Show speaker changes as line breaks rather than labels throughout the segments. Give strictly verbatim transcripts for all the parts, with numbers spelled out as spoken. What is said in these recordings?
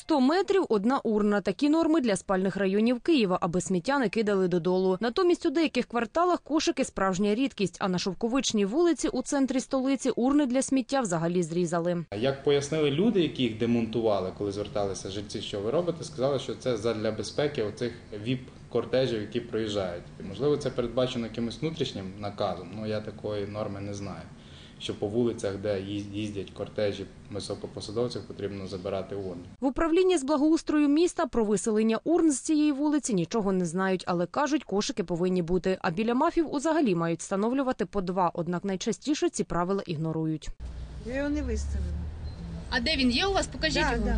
сто метрів – одна урна. Такі норми для спальних районів Києва, аби сміття не кидали додолу. Натомість у деяких кварталах кошики – справжня рідкість, а на Шовковичній вулиці у центрі столиці урни для сміття взагалі зрізали.
Як пояснили люди, які їх демонтували, коли зверталися жильці, що ви робите, сказали, що це задля безпеки оцих віп-кортежів, які проїжджають. Можливо, це передбачено якимось внутрішнім наказом, але я такої норми не знаю. Що по вулицях, де їздять кортежі високопосадовців, потрібно забирати урни.
В управлінні з благоустрою міста про виселення урн з цієї вулиці нічого не знають, але кажуть, кошики повинні бути. А біля МАФів узагалі мають встановлювати по два, однак найчастіше ці правила ігнорують.
Я його не виставила.
А де він є у вас? Покажіть
Да,
його.
да.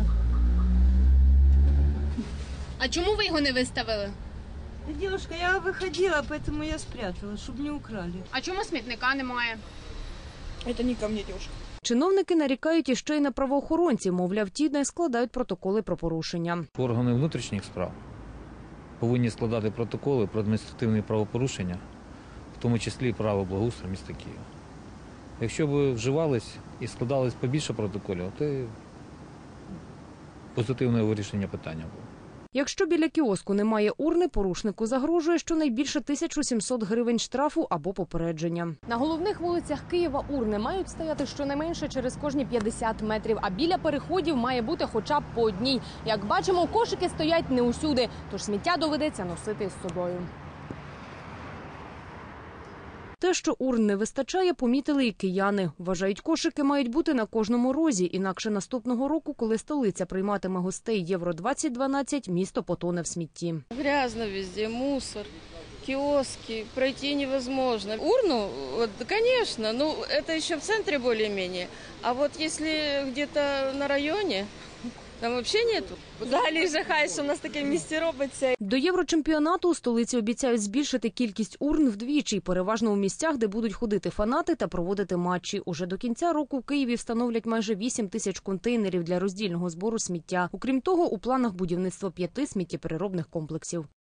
А чому ви його не виставили?
Девушка, я виходила, поэтому я спрятала, щоб не украли.
А чому смітника немає?
Это не ко мне, девушка.
Чиновники нарікають іще й на правоохоронців, мовляв, ті не складають протоколи про порушення.
Органи внутрішніх справ повинні складати протоколи про адміністративні правопорушення, в тому числі право благоустрою міста Києва. Якщо б вживались і складались побільше протоколів, то позитивне вирішення питання було.
Якщо біля кіоску немає урни, порушнику загрожує щонайбільше тисяча сімсот гривень штрафу або попередження. На головних вулицях Києва урни мають стояти щонайменше через кожні п'ятдесят метрів, а біля переходів має бути хоча б по одній. Як бачимо, кошики стоять не усюди, тож сміття доведеться носити з собою. Те, що урн не вистачає, помітили і кияни. Вважають, кошики мають бути на кожному розі, інакше наступного року, коли столиця прийматиме гостей Євро двадцять дванадцять, місто потоне в смітті.
Грязно везде, мусор, киоски, пройти невозможно. Урну, вот, конечно, ну это еще в центре более-менее, а вот если где-то на районе, там взагалі нету.
Взагалі жахає, що в нас таке в місті робиться.
До Єврочемпіонату у столиці обіцяють збільшити кількість урн вдвічі, переважно у місцях, де будуть ходити фанати та проводити матчі. Уже до кінця року в Києві встановлять майже вісім тисяч контейнерів для роздільного збору сміття. Окрім того, у планах будівництво п'яти сміттєпереробних комплексів.